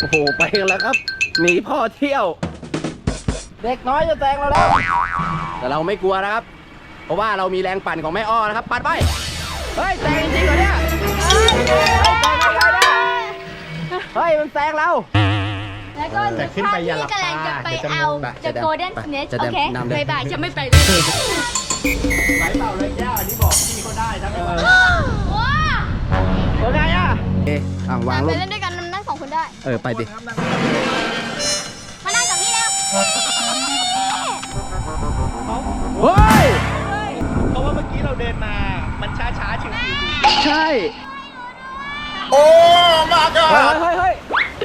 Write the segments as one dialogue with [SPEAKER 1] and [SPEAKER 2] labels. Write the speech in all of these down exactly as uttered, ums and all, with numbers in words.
[SPEAKER 1] อ้โหไปกันแล้วครับหนีพ่อเที่ยวเด็กน้อยจะแซงเราแล้วแต่เราไม่กลัวนะครับเพราะว่าเรามีแรงปั่นของแม่อ้อนะครับปัดไปเฮ้ยแซงจริงเหรอเนี่ยเฮ้ยแซงอะไรเนี่ยเฮ้ยมันแซงเรา
[SPEAKER 2] แล้วก็ถ้าพี่กำลังจะไปเอาจะโกลเด้นสเนชโอเคบายบายจะไม่ไปเลย
[SPEAKER 1] ไหลเปล่าเลยแก้วอันนี้บอกพี่เขาได้ทั้งหมดว้าเป็นไงอ่ะเอ๊ะอ่ะวางลง
[SPEAKER 2] ไปเล่นด้วยกันนั่งสองคนได้
[SPEAKER 1] เออไปดิ
[SPEAKER 2] มานั่งกับพี่แล้ว
[SPEAKER 1] เฮ้ย
[SPEAKER 3] เพราะว่าเมื่อกี้เราเดินมามันช้าช้าชิว
[SPEAKER 1] ๆใช่
[SPEAKER 3] โอ้มากอ่ะ
[SPEAKER 1] เฮ้ยเฮ้ย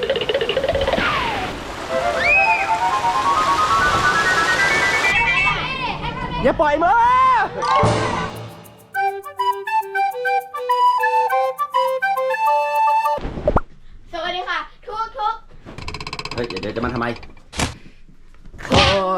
[SPEAKER 1] อย่าปล่อยมือ
[SPEAKER 2] สวัสดีค่ะทุกทุก
[SPEAKER 1] เฮ้ยเดี๋ยวจะมาทำไมคน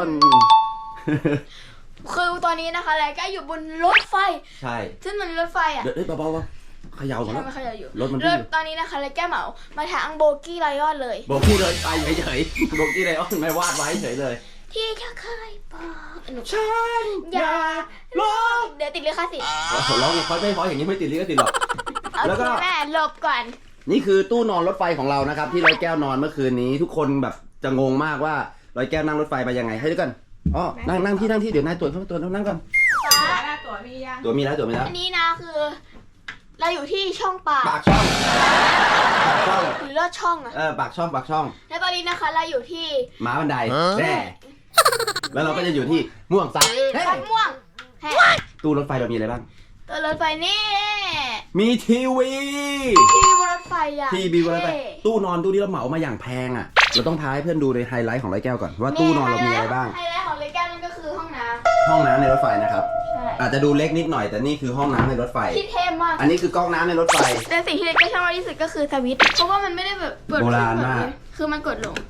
[SPEAKER 2] คือตอนนี้นะคะแล้วก็อยู่บนรถไฟ
[SPEAKER 1] ใช่
[SPEAKER 2] ซึ่งมันรถไฟอ่ะ
[SPEAKER 1] เดี๋ยวเบาๆเขย่าก่อนนะ
[SPEAKER 2] เขย่าอยู่
[SPEAKER 1] รถมัน
[SPEAKER 2] ตอนนี้นะคะแล้วแก้เหมามาทางโบกี้ไลออนเลย
[SPEAKER 1] โบกี้เลยไปเฉยๆโบกี้ไลออนไม่วาดไว้เฉยเลย
[SPEAKER 2] ที่จะเคยบอก
[SPEAKER 1] ฉันอย่าลบ
[SPEAKER 2] เดี๋ยวติดลิขสิทธิ์
[SPEAKER 1] ร้องเขาไม่พออย่างนี้ไม่ติดลิขสิทธิ์หรอก
[SPEAKER 2] แล้วก็แม่หลบก่อน
[SPEAKER 1] นี่คือตู้นอนรถไฟของเรานะครับที่ร้อยแก้วนอนเมื่อคืนนี้ทุกคนแบบจะงงมากว่าร้อยแก้วนั่งรถไฟไปยังไงให้ด้วยกันอ๋อนั่งนั่งที่นั่งที่เดี๋ยวนายตรวจเข้าตัวนั่งก่อน
[SPEAKER 2] ตัวมียัง
[SPEAKER 1] ตัวมีแล้วตัวมีแล้ว
[SPEAKER 2] อันนี้นะคือเราอยู่ที่ช่องปาก
[SPEAKER 1] ปากช่องปากช่อง
[SPEAKER 2] หรือลอดช่องอะ
[SPEAKER 1] เออปากช่องปากช่อง
[SPEAKER 2] และตอนนี้นะคะเราอยู่ที่
[SPEAKER 1] ม้าบันไดแร่แล้วเราก็จะอยู่ที่ม่วงซัก
[SPEAKER 2] ม่วง
[SPEAKER 1] ตู้รถไฟเรามีอะไรบ้าง
[SPEAKER 2] ตัวรถไฟนี่
[SPEAKER 1] มีทีวี
[SPEAKER 2] ทีวีบนรถไฟอะ
[SPEAKER 1] ทีวีบนรถไฟตู้นอนตู้ที่เราเหมามาอย่างแพงอ่ะเราต้องพาให้เพื่อนดูในไฮไลท์ของร้อยแก้วก่อนว่าตู้นอนเรามีอะไรบ้าง
[SPEAKER 2] ไฮไลท์ของร้อยแก้วนั่นก็คือห้องน้ำ
[SPEAKER 1] ห้องน้ำในรถไฟนะครับอาจจะดูเล็กนิดหน่อยแต่นี่คือห้องน้ำในรถไฟ
[SPEAKER 2] ที่เท่มาก
[SPEAKER 1] อันนี้คือก๊อกน้ำในรถไฟ
[SPEAKER 2] แต่สิ่งที่เล็กก็ชอบมากที่สุดก็คือสวิตช์เพราะว่ามันไม่ได้แบบเปิด
[SPEAKER 1] โบราณมาก
[SPEAKER 2] คือมันกดลง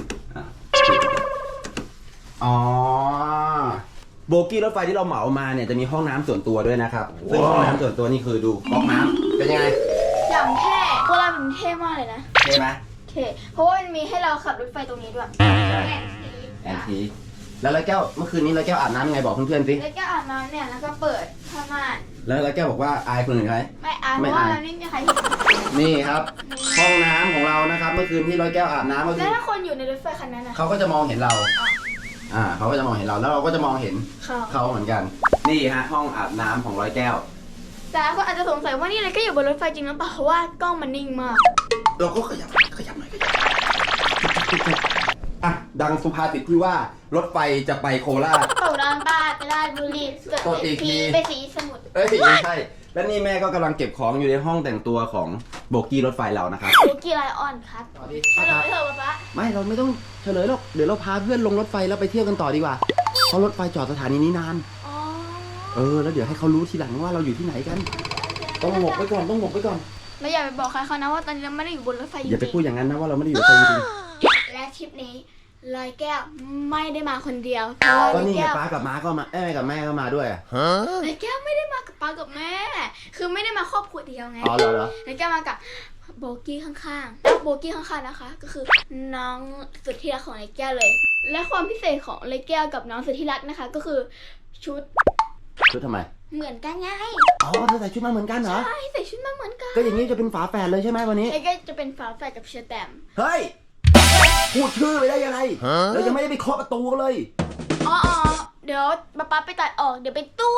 [SPEAKER 1] อ๋อโบกี้รถไฟที่เราเหมามาเนี่ยจะมีห้องน้ำส่วนตัวด้วยนะครับซึ่งห้องน้ำส่วนตัวนี่คือดูก๊อกน้ำเป็นยังไง
[SPEAKER 2] อย่างเท่โบราณมันเท่มากเลยนะ
[SPEAKER 1] เท่ไหม
[SPEAKER 2] เท่เพราะว่ามันมีให้เราขับรถไฟตรงนี้ด้วย
[SPEAKER 1] แอนทีแล้วร้อยแก้วเมื่อคืนนี้ร้อยแก้วอาบน้ำยังไงบอกเพื่อนๆสิ
[SPEAKER 2] ร้อยแก้วอาบน้ำเนี่ยแล้วก็เปิดผ้าม่าน
[SPEAKER 1] แล้วร้อยแก้วบอกว่าอายคนอื่นไหม
[SPEAKER 2] ไม่อายเพราะว่าไม่มีใครเห็น
[SPEAKER 1] นี่ครับห้องน้ำของเรานะครับเมื่อคืนที่ร้อยแก้วอาบน้ำก็คือ
[SPEAKER 2] แล้วถ้าคนอยู่ในรถไฟคันนั้นนะ
[SPEAKER 1] เขาก็จะมองเห็นเราอ่าเขาก็จะมองเห็นเราแล้วเราก็จะมองเห็นเขาเหมือนกันนี่ฮะห้องอาบน้ำของร้อยแก้ว
[SPEAKER 2] แต่คนอาจจะสงสัยว่านี่อะไรก็อยู่บนรถไฟจริงหรือเปล่าเพราะว่ากล้องมันนิ่งมาก
[SPEAKER 1] เราก็ขยับขยับหน่อยขยับอ่ะดังสุภาษิตที่ว่ารถไฟจะไปโคราช
[SPEAKER 2] โคราชบ้านไปราชบุรี
[SPEAKER 1] กดอีกที
[SPEAKER 2] ไปสีสมุทร
[SPEAKER 1] เอ้ยไม่ใช่และนี่แม่ก็กำลังเก็บของอยู่ในห้องแต่งตัวของโบกี้รถไฟเรานะครับ
[SPEAKER 2] โบกี้ไลออนครับ
[SPEAKER 1] สวัสดี
[SPEAKER 2] เฉลยเถอะป๊า
[SPEAKER 1] ไม่เราไม่ต้องเฉลยหรอกเดี๋ยวเราพาเพื่อนลงรถไฟแล้วไปเที่ยวกันต่อดีกว่าเพราะรถไฟจอดสถานีนี้นานเออแล้วเดี๋ยวให้เขารู้ทีหลังว่าเราอยู่ที่ไหนกันต้องหมกไว้ก่อนต้องหมกไว้ก่อน
[SPEAKER 2] ไม่อย่าไปบอกใครเขานะว่าตอนนี้เราไม่ได้อยู่บนรถไฟ
[SPEAKER 1] อย่าไปพูดอย่างนั้นนะว่าเราไม่ได้อยู่รถไฟจริง
[SPEAKER 2] และทริปนี้ลอยแก้วไม่ได้มาคนเดียว
[SPEAKER 1] ก็นี่ไงป้ากับม้าก็มาเอ้ยกับแม่ก็มาด้วย
[SPEAKER 2] ลอยแก้วไม่ได้มากับป้ากับแม่คือไม่ได้มาครอบครัวเดียวไง
[SPEAKER 1] อ๋อเหรอ
[SPEAKER 2] ลอยแก้วมากับโบกี้ข้างๆแล้วโบกี้ข้างๆนะคะก็คือน้องสุดที่รักของลอยแก้วเลยและความพิเศษของลอยแก้วกับน้องสุดที่รักนะคะก็คือชุด
[SPEAKER 1] ชุดทำไม
[SPEAKER 2] เหมือนกันไง
[SPEAKER 1] อ๋อเธอใส่ชุดมาเหมือนกันเหรอ
[SPEAKER 2] ใช่ใส่ชุดมาเหมือนกัน
[SPEAKER 1] ก็อย่างนี้จะเป็นฝาแฝดเลยใช่ไหมวันนี้
[SPEAKER 2] ลอยแก้วจะเป็นฝาแฝดกับเชอร์แตม
[SPEAKER 1] เฮ้ยพูดชื่อไปได้ยังไงเรายังไม่ได้ไปเคาะประตูเลย
[SPEAKER 2] อ๋อเดี๋ยวป๊าป๊าไปตัดออกเดี๋ยวไปตู้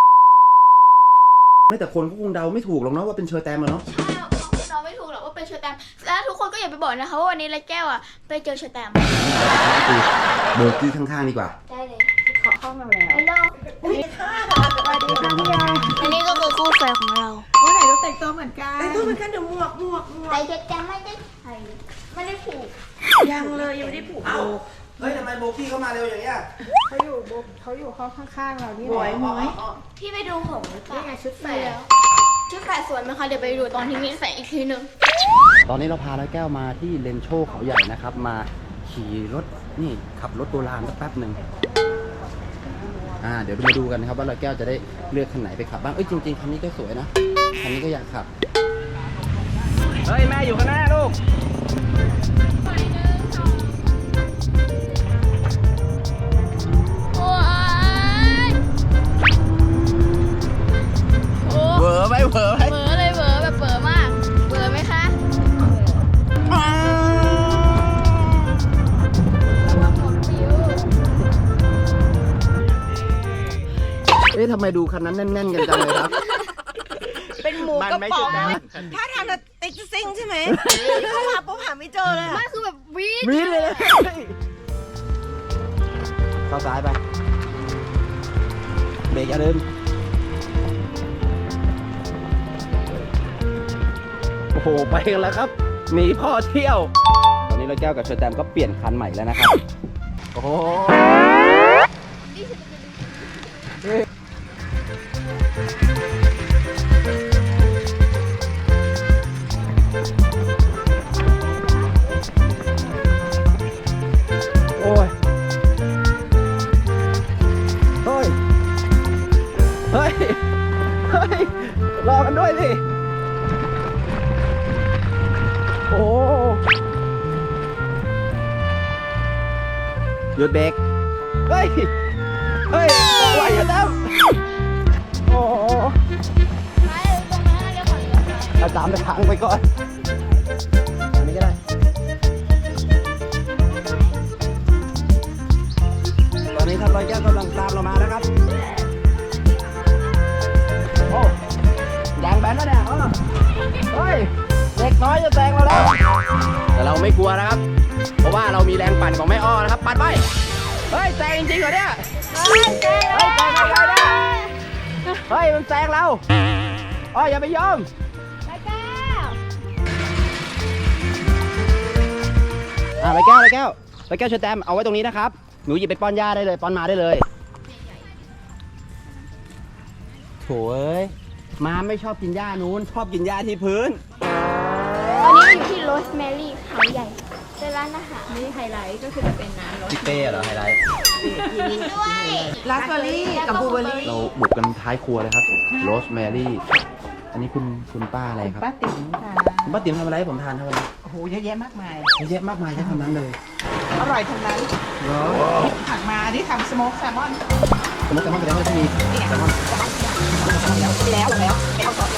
[SPEAKER 1] ไม่แต่คนก็คงเดาไม่ถูกหรอกเนาะว่าเป็นเชอร์แตมเนาะ
[SPEAKER 2] ใช่เราไม่ถูกหรอกว่าเป็นเชอร์แตมแล้วทุกคนก็อย่าไปบอกนะคะว่าวันนี้ลอยแก้วอ่ะไปเจอเชอร์แตม
[SPEAKER 1] โบกี้ข้างๆดีกว่า
[SPEAKER 2] ได้เลย
[SPEAKER 4] ขอเข้ามาแล้ว
[SPEAKER 2] ฮัลโหล
[SPEAKER 4] สวัสดีค่ะสวัสดีค่ะพี่ยา
[SPEAKER 2] อันนี้ก็คือคู่แฝดของเรา
[SPEAKER 4] วันไหนเราแต่งตัวเหมือนกันแต่งตัวเหมือนกันเดี๋ยวหมวกหมวกหมวก
[SPEAKER 2] แต่เชอร์แตมไม่ได้ใส่ไม่ได้ผูก
[SPEAKER 4] ยังเลยยังไม่ได้ผูกโบ
[SPEAKER 1] เฮ้ยทำไมโบกี้เข้ามาเร็วอย่างเงี้ย
[SPEAKER 4] เขาอยู่โบเขาอยู่ห้องข้างๆเรานี่
[SPEAKER 2] หมวยหมวยพี่ไปดูผม
[SPEAKER 4] นี่ไงชุดแฝด
[SPEAKER 2] ชุดแฝดสวยไหมคะเดี๋ยวไปดูตอนที่มิ้นใส่อีกทีหนึ่ง
[SPEAKER 1] ตอนนี้เราพาร้อยแก้วมาที่เลนโชว์เขาใหญ่นะครับมาขี่รถนี่ขับรถโบราณสักแป๊บหนึ่งอ่าเดี๋ยวมาดูกันนะครับว่าร้อยแก้วจะได้เลือกคันไหนไปขับบ้างเอ้ยจริงๆคันนี้ก็สวยนะคันนี้ก็อยากขับเฮ้ยแม่อยู่ข้างหน้าลูกทำไมดูคันนั้นแน่นๆกันจังเลยครับ
[SPEAKER 4] เป็นหมู
[SPEAKER 3] มัน
[SPEAKER 4] กระ
[SPEAKER 3] ไม่
[SPEAKER 4] ป๋
[SPEAKER 3] ใช่
[SPEAKER 4] อง
[SPEAKER 3] แบงค์
[SPEAKER 4] ถ้าทางจะติ๊กซิงใช่ไหมเข้ามาปุ๊บหาไม่เจอเลยอะ
[SPEAKER 2] ไม่คือแบบวีด
[SPEAKER 1] มีเลยเข้าซ้ายไปเบรกอย่าลืมโอ้โหไปกันแล้วครับหนีพ่อเที่ยวตอนนี้เราแก้วกับเชอร์แตมก็เปลี่ยนคันใหม่แล้วนะครับโอ้โหโอ้ยเฮ้ยเฮ้ยเฮ้ยรอกันด้วยสิโอ้หยุดเบรกเฮ้ย เฮ้ยไหวอยู่แล้วโอ้โห
[SPEAKER 2] ไปตรงนั้นเดี๋ยวก่อนเดี๋ยวก่อน
[SPEAKER 1] เอาตามไปทางไปก่อนอันนี้ก็ได้ ตอนนี้ครับร้อยแก้วกำลังตามเรามาแล้วครับ โอ้ยางแบนแล้วเนี่ยอ้อเฮ้ย เด็กน้อยจะแซงเราแล้ว แต่เราไม่กลัวนะครับ เพราะว่าเรามีแรงปั่นของแม่อ้อนะครับ ปั่นไป เฮ้ยแซงจริงๆเหรอเนี่ย เฮ้ยแซงเฮ้ยแซงไม่ได้เนี่ยเฮ้ยมันแซงเราอ้ออย่าไปยอม
[SPEAKER 2] ไปแก้ว
[SPEAKER 1] อ่าไปแก้วไปแก้วไปแก้วเชอร์แตมเอาไว้ตรงนี้นะครับ หนูหยิบไปป้อนยาได้เลยป้อนมาได้เลยโถ่เอ้ยมาไม่ชอบกินหญ้านู้นชอบกินหญ้าที่พื้น
[SPEAKER 2] ตอนนี้อยู่ที่โรสแมรี่เขาใหญ่เป็นร้านอาหาร
[SPEAKER 4] นี่ไฮไลท์ก็คือจะเป็นน้ำรส
[SPEAKER 1] พี่เป้เหรอไฮไลท์
[SPEAKER 2] ด้วย
[SPEAKER 4] ราสเบอร์รี่กับบลูเบอร์รี่
[SPEAKER 1] เราบุกกันท้ายครัวเลยครับโรสแมรี่อันนี้คุณคุณป้าอะไรครับ
[SPEAKER 4] ป้าติ๋มค่ะ
[SPEAKER 1] คุณป้าติ๋มทำอะไรให้ผมทานครับวันนี้
[SPEAKER 4] โอ้โหเยอะแยะมากมาย
[SPEAKER 1] เยอะแยะมากมายใช้คำนั้นเลย
[SPEAKER 4] อร่อยทั้งนั้น
[SPEAKER 1] เหรอ
[SPEAKER 4] ผักมาที่ทำสโมกแซลมอน
[SPEAKER 1] สมมติแซลมอนแสดงว่าที่มีแซลมอน
[SPEAKER 4] แล้วแล้วแล้วไปเอาต่อเอง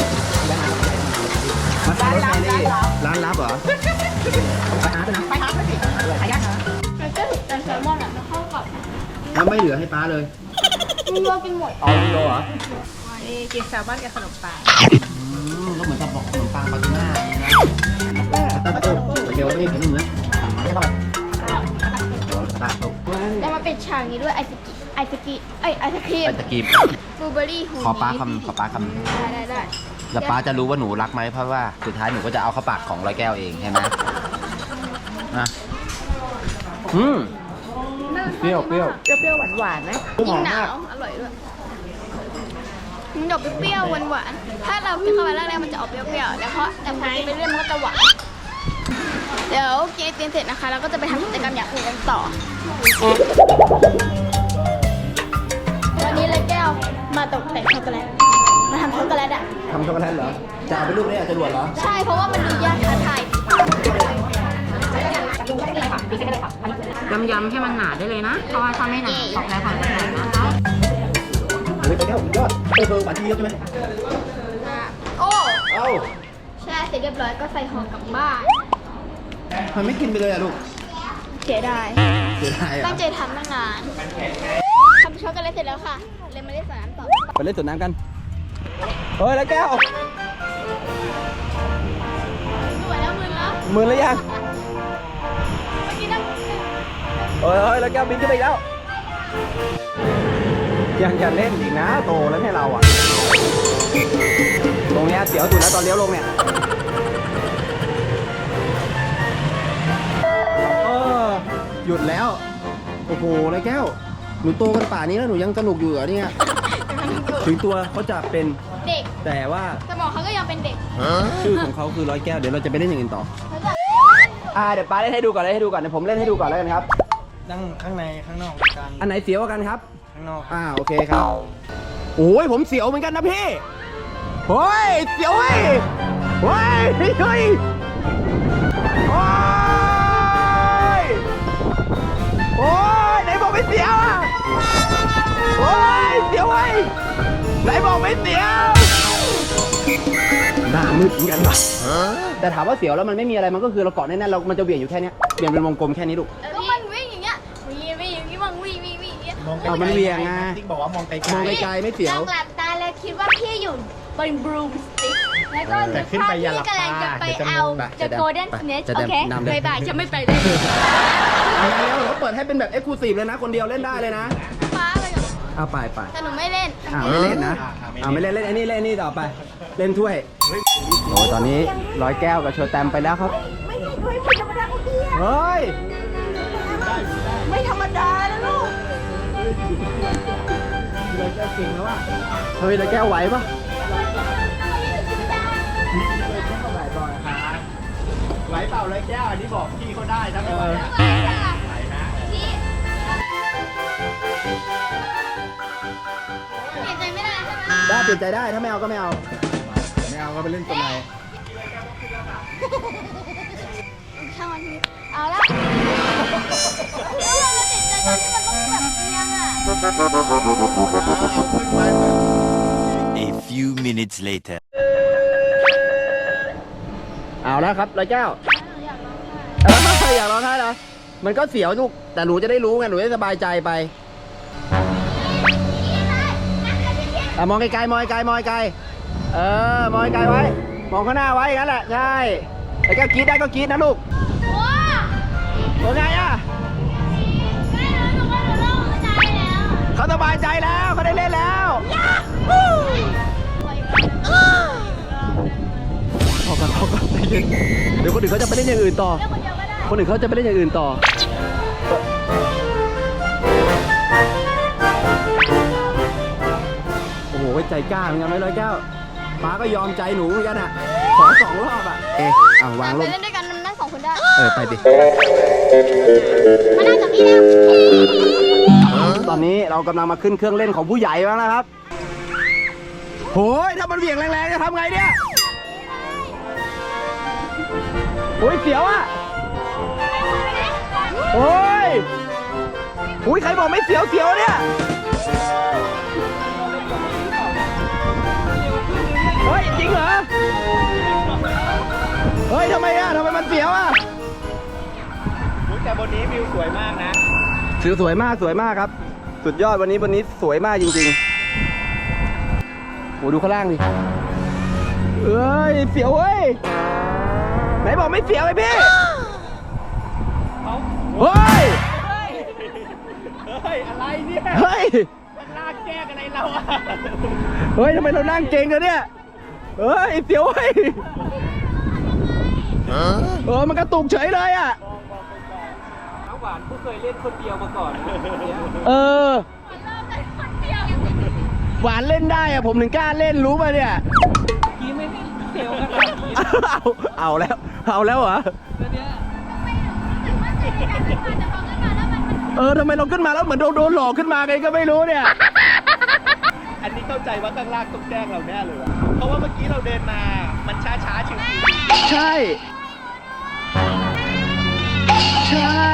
[SPEAKER 1] มาทานโรสแมรี่ร้านลับเหรอไปหาไปนะ
[SPEAKER 4] ไปหาไปสิหายากนะ
[SPEAKER 2] มันก็แต่แซลมอนอ่ะมันเข้ากับ
[SPEAKER 1] แล้วไม่เหลือให้ป้าเลย
[SPEAKER 2] มีวัวกินหมด
[SPEAKER 1] เอาโลเหรอ
[SPEAKER 4] นี่กินแซลมอนกับขนมปัง
[SPEAKER 1] ก็เหมือนกับบอกขนมปังปาตูน่าตาโต้เดี๋ยวนี่ผมหนึ่งนะไม่เข้าไปตาโต้
[SPEAKER 2] แล้วมาเป็นฉากนี้ด้วยไอศกิไอศกิไอยไอศครีม
[SPEAKER 1] ไปตะกีบบ
[SPEAKER 2] ลูเบอร์รี่หู
[SPEAKER 1] ขอป้าคำขอป้าคำ
[SPEAKER 2] ได้ได้ได้
[SPEAKER 1] แล้วป้าจะรู้ว่าหนูรักไหมเพราะว่าสุดท้ายหนูก็จะเอาเข้าปากของร้อยแก้วเองใช่ไหมนะอืมเปรี้ยวเปรี้ยว
[SPEAKER 4] เปรี้ยวๆหวานๆนะ
[SPEAKER 2] ยิ่งหนาวอร่อยด้วยมันจะออกเปรี้ยวๆหวานๆถ้าเรากินเข้าไปแรกๆมันจะออกเปรี้ยวๆแล้วเพราะแต่พอกินไปเรื่อยมันก็จะหวานเดี๋ยวกินไอติมเสร็จนะคะเราก็จะไปทำกิจกรรมอย่างอื่นกันต่อวันนี้เลยแก้วมาตกแต่งช็อกโกแลตมาทำช็อกโกแลตอ่ะ
[SPEAKER 1] ทำช็อกโกแลตเหรอจะเอาไปรูปนี้จะรวดเหรอ
[SPEAKER 2] ใช่เพราะว่ามันดูยากท้าทาย
[SPEAKER 5] ยำๆให้มันหนาได้เลยนะ เพราะว่าถ้าไม่หนาช็อกโกแลตของมันหนานะคะ
[SPEAKER 1] เฮ้ยไปแก้วสุดยอดเออเบอร์หวานที่เยอะใช่ไหม
[SPEAKER 2] โอ้
[SPEAKER 1] เอ้า
[SPEAKER 2] แช่เสร็จเรียบร้อยก็ใส่ห่อกลับบ้าน
[SPEAKER 1] มันไม่กินไปเลยอะลูก
[SPEAKER 2] เสียดาย
[SPEAKER 1] เสียดายอะ
[SPEAKER 2] ตั้งใจทำตั้งนานทำช็อกโกแลตเสร็จแล้วค่ะ เลยมาเล่นสนามต่อ
[SPEAKER 1] ไปเล่นสวนน้ำกันเฮ้ยแล้วแก้ว
[SPEAKER 2] สวยแล้วมือแล้ว
[SPEAKER 1] มือแล้วยัง
[SPEAKER 2] เมื่อกี้นั่ง
[SPEAKER 1] เฮ้ยเฮ้ยแล้วแก้วบินขึ้นไปอีกแล้ว ยังจะเล่นอีกนะโตแล้วให้เราอ่ะ ตรงเนี้ยเสียวสุดแล้วตอนเลี้ยวลงเนี่ยเออหยุดแล้ว โอ้โหแล้วแก้ว หนูโตกันป่านี้แล้วหนูยังสนุกอยู่เหรอเนี่ย ถึงตัวเขาจะเป็น
[SPEAKER 2] เด็ก
[SPEAKER 1] แต่ว่า
[SPEAKER 2] สมองเขาก็ยังเป็นเด็ก
[SPEAKER 1] ชื่อของเขาคือร้อยแก้ว เดี๋ยวเราจะไปเล่นอย่างอื่นต่อ อ่าเดี๋ยวป้าเล่นให้ดูก่อนเล่นให้ดูก่อนเดี๋ยวผมเล่นให้ดูก่อนแล้วกันครับ
[SPEAKER 3] นั่งข้างในข้างนอกกัน
[SPEAKER 1] อันไหนเสียวกว่ากันครับ
[SPEAKER 3] ข้างนอก
[SPEAKER 1] อ่าโอเคครับ โอ้ยผมเสียวเหมือนกันนะพี่โอ้ยเสียวเว้ยโอ้ยเฮ้ยเฮ้ยโอ้ยโอ้ยไหนบอกไม่เสียวอ่ะโอ้ยเสียวเว้ยไหนบอกไม่เสียวหน้ามืดเหมือนกันว่ะแต่ถามว่าเสียวแล้วมันไม่มีอะไรมันก็คือเราเกาะแน่นๆเรามันจะเบี่ยงอยู่แค่เนี้ยเบี่ยงเป็นวงกลมแค่นี้ลูก
[SPEAKER 2] ก็มันวิ่งอย่างเงี้ยวิ่งวิ่งอย่างงี้มั่งวิ่งวิ่งวิ่งอย่างเงี้ย
[SPEAKER 3] มองไกล
[SPEAKER 1] เอามันเหวี่ยงไง
[SPEAKER 3] ติ๊กบอกว่ามองไกลๆ
[SPEAKER 1] มองไกลๆไม่เสียว
[SPEAKER 2] ลองหลับตาแล้วคิดว่าพี่อยู่บนบรูมสติ๊กแล้วก็
[SPEAKER 3] แต่ขึ้นไปอย่าหลับ
[SPEAKER 2] พี่กำลังจะไป
[SPEAKER 3] ตาเดี๋ยวจะ
[SPEAKER 2] เอา
[SPEAKER 3] งง
[SPEAKER 2] จะโกลเด้น
[SPEAKER 1] ไป
[SPEAKER 2] เนส
[SPEAKER 1] จะ
[SPEAKER 2] โอเค
[SPEAKER 1] นำเลย
[SPEAKER 2] บายบายฉันไม่ไปเลย
[SPEAKER 1] เอาแล้วเราเปิดให้เป็นแบบเอ็กซ์คลูซีฟเลยนะ คนเดียวเล่นได้เลยนะ
[SPEAKER 2] ฟ้าไปก่อน
[SPEAKER 1] เอาไปไป
[SPEAKER 2] แต่หนูไม่เล่น
[SPEAKER 1] อ่าไม่เล่นนะอ่าไม่เล่นเล่นไอ้นี่เล่นไอ้นี่ต่อไป เล่นถ้วยโอ้ยตอนนี้ร้อยแก้วกับโชว์แตมไปแล้วครับ
[SPEAKER 4] ไม่ใช่ด้วยไม่ธรรมดาของพี่อะ
[SPEAKER 1] เฮ้ย
[SPEAKER 4] ไม่ธรรมดานะลูก
[SPEAKER 1] ร้อยแก้วเก่งแล้วอ่ะเฮ้ยร้อยแก้วไหวปะ
[SPEAKER 3] ไหวเปล่าเลยแก้วอันนี้บอกพี่เขาได้ถ้าไม่ไหวอะไหวนะ
[SPEAKER 2] เปลี่ยนใจไม่ได้ใช่ไหม
[SPEAKER 1] ได้เปลี่ยนใจได้ถ้าไม่เอาก็ไม่เอา ไม่เอาก็ไปเล่นตัวไหน
[SPEAKER 2] ช่างมันทีเอาละแล้วเราจะติดใจตอนที่มันต้องแบบเอียงอ่ะ
[SPEAKER 6] A few minutes later.
[SPEAKER 1] เอาแล้วครับร้อยแก้ว
[SPEAKER 2] อยากร้องไห้
[SPEAKER 1] เอออยากร้องไห้เหรอมันก็เสียวลูกแต่หนูจะได้รู้ไงหนูจะสบายใจไปอ่ะมองไกลๆมองไกลๆมองไกลๆเออมองไกลๆไว้ มองข้างหน้าไว้อย่างนั้นแหละใช่แล้วก็กรี๊ดได้ก็กรี๊ดนะลูก
[SPEAKER 2] ว้า
[SPEAKER 1] เป็นไงอ่ะ
[SPEAKER 2] ไม่รู้หนูว่าหนูโล่งใจแล้ว
[SPEAKER 1] เขาสบายใจแล้วเขาได้เล่นแล้วพอกันพอกันใจเย็นเดี๋ยวคนอื่นเขาจะไปเล่นอย่างอื่นต่อ
[SPEAKER 2] เล่นคนเดียวก็ได้
[SPEAKER 1] คนอื่นเขาจะไปเล่นอย่างอื่นต่อ โอ้โหใจกล้าเหมือนกันไหมร้อยแก้วป้าก็ยอมใจหนูเหมือนกันอ่ะ ขอสองรอบอ่ะ เอ๊ะเอาวางล
[SPEAKER 2] ไป
[SPEAKER 1] ง
[SPEAKER 2] เล่นด้วยกันมันได้สองคนได้
[SPEAKER 1] เออ ไปดิ
[SPEAKER 2] มานั่งกับพี่แล้ว
[SPEAKER 1] ตอนนี้เรากำลังมาขึ้นเครื่องเล่นของผู้ใหญ่แล้วนะครับโหยถ้ามันเหวี่ยงแรงๆจะทำไงเนี่ยโอ้ยเสียวอ่ะโอ้ยอุ้ยใครบอกไม่เสียวเสียวเนี่ยเฮ้ยจริงเหรอเฮ้ยทำไมอ่ะทำไมมันเสียวอ่ะ
[SPEAKER 3] อุ๊ยแต่บนนี้วิวสวยมากนะ
[SPEAKER 1] สิวสวยมากสวยมากครับ สุดยอดวันนี้วันนี้สวยมากจริงๆโหดูข้างล่างดิเอ้ยเสียวเว้ยไหนบอกไม่เสียวไอ้พี่เฮ้ย
[SPEAKER 3] เฮ้ย อะไรเนี่ย
[SPEAKER 1] เฮ้ย
[SPEAKER 3] มันลากแก้กันอะไรเราอะ
[SPEAKER 1] เฮ้ยทำไมเรานั่งเก่งกันเนี่ยเฮ้ยเสียวเว้ยเออมันกระตุกเฉยเลยอ่ะ
[SPEAKER 3] น้ำหวานผู้เคยเล่นคนเดียวมาก่อนนะ
[SPEAKER 1] เออหวานเล่นได้อะผมถึงกล้าเล่นรู้ป่ะเนี่ย
[SPEAKER 3] กี้ไม่ได้เซลขนาดนี้
[SPEAKER 1] เอาเอาแล้วเอาแล้วเหรอเออทำไมเราขึ้นมาแล้วเหมือนโดนโดนหลอกขึ้นมาไงก็ไม่รู้เนี่ย
[SPEAKER 3] อันนี้เข้าใจว่าข้างล่างต้องแกล้งเราแน่เลยวะเพราะว่าเมื่อกี้เราเดินมา มันช้าช้าๆชิว
[SPEAKER 1] ใช่ ใช่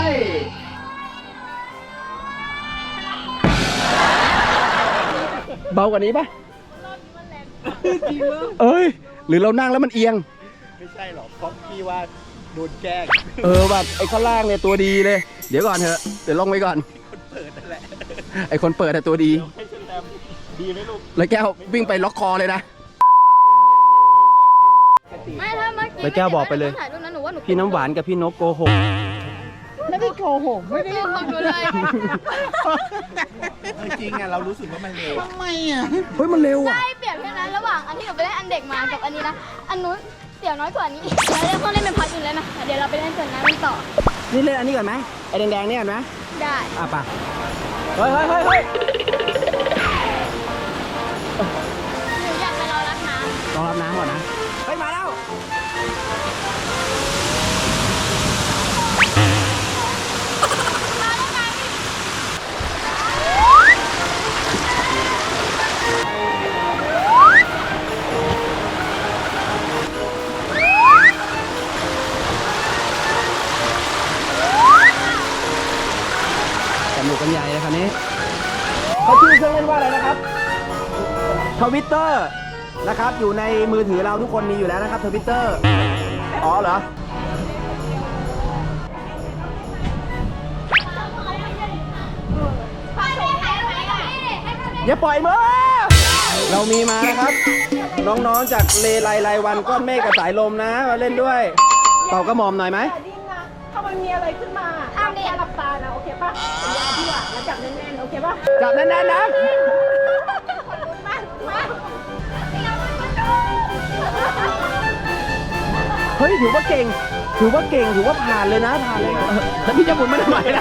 [SPEAKER 1] เบากว่านี้ปะเอ้ย หรือเรานั่งแล้วมันเอียง
[SPEAKER 3] ๆไม่ใช่หรอกเพราะพี่ว่าโดนแกล้ง
[SPEAKER 1] เออแบบไอ้ข้างล่างเนี่ยตัวดีเลย เดี๋ยวก่อนเถอะ เดี๋ยวลงไปก่อน
[SPEAKER 3] คนเปิดนั่นแหละ
[SPEAKER 1] ไอ้คนเปิดแต่ตัวดี
[SPEAKER 3] ให้ฉันแตมดีไหมลูก
[SPEAKER 1] แล้วแก้ววิ่งไปล็อกคอเลยนะ
[SPEAKER 2] ไม่ถ้าเมื่อกี้
[SPEAKER 1] แล้วแก้วบอกไปเลย
[SPEAKER 2] ถ่ายรูปนั้นหนูว่าหนู
[SPEAKER 1] พี่น้ำหวานกับพี่นกโกหก
[SPEAKER 4] ไม่ได้โกหกไม่ได้
[SPEAKER 2] เรื่องของหนูเลย
[SPEAKER 3] จริงอ่ะเรารู้สึกว่ามันเร็ว
[SPEAKER 4] ทำไมอ่ะ
[SPEAKER 1] เฮ้ยมันเร็วอ่ะ
[SPEAKER 2] ใช่เปรียบเทียบนะระหว่างอันที่หนูไปเล่นอันเด็กมากับอันนี้นะ อันนู้นเสี่ยวน้อยกว่านี้อีกเราเล่นพวกเล่นเป็นพัดอื่นแล้วนะเดี๋ยวเราไปเล่นส่วนนั้นกันต่อ
[SPEAKER 1] นี่เล่นอันนี้ก่อนไหมไอ้แดงๆเนี่ยก่อนไหม
[SPEAKER 2] ได้
[SPEAKER 1] อ่ะป่ะเฮ้ยเฮ้ยเฮ้ยเฮ้ย
[SPEAKER 2] หนูอยากไปรอรับน้ำ
[SPEAKER 1] รอรับน้ำก่อนนะ เฮ้ย มาแล้ว สนุกกันใหญ่เลยคันนี้เขาชื่อเครื่องเล่นว่าอะไรนะครับทวิตเตอร์นะครับ อยู่ในมือถือเราทุกคนมีอยู่แล้วนะครับทวิตเตอร์อ๋อเหรอ
[SPEAKER 2] พ่อแม่ใคร
[SPEAKER 1] อย่าปล่อยมือเรามีมานะครับ น้องๆจากเลไลไลวันก้อนเมฆกับสายลมนะมาเล่นด้วย เป่ากระหม่อมหน่อยไหม
[SPEAKER 4] ดิ้งนะถ้ามันมีอะไรขึ้นมาห้ามแค่หลับตานะ โอเคป่ะสัญญาพี่อ่ะแล้วจับแน่นๆ โอเคป่ะ
[SPEAKER 1] จับแน่นๆนะ
[SPEAKER 4] มามา
[SPEAKER 1] เฮ้ยถือว่าเก่ง ถือว่าเก่ง ถือว่าผ่านเลยนะ ผ่านเลยนะแล้วพี่จะหมุนไม่ได้ไหมนะ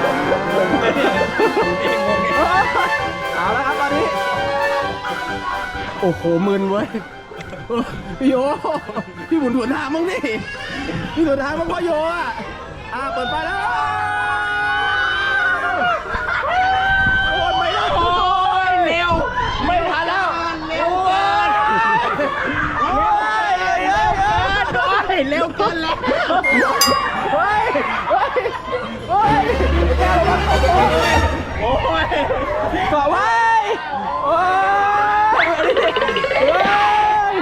[SPEAKER 1] เอาแล้วครับตอนนี้ โอ้โหมึนเว้ยพี่โยพี่หมุนหัวทางมั้งนี่พี่หัวทางมั้งพ่อโยอ่ะอ่าเปิดไฟแล้วโอ้ยไม่ได้โอ้ยเร็วไม่ทันแล้วเร็วเกินโอ้ยเร็วเกินโอ้ยเร็วเกินแล้วเฮ้ยเฮ้ยเฮ้ยแกระวังโอ้ยโอ้ยเกาะไว้โอ้ยเฮ้ย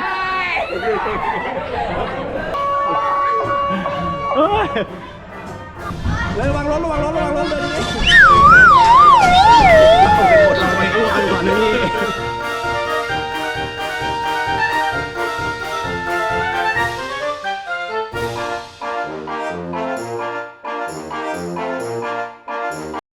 [SPEAKER 1] เฮ้ยระวังรถระวังรถระวังรถเลย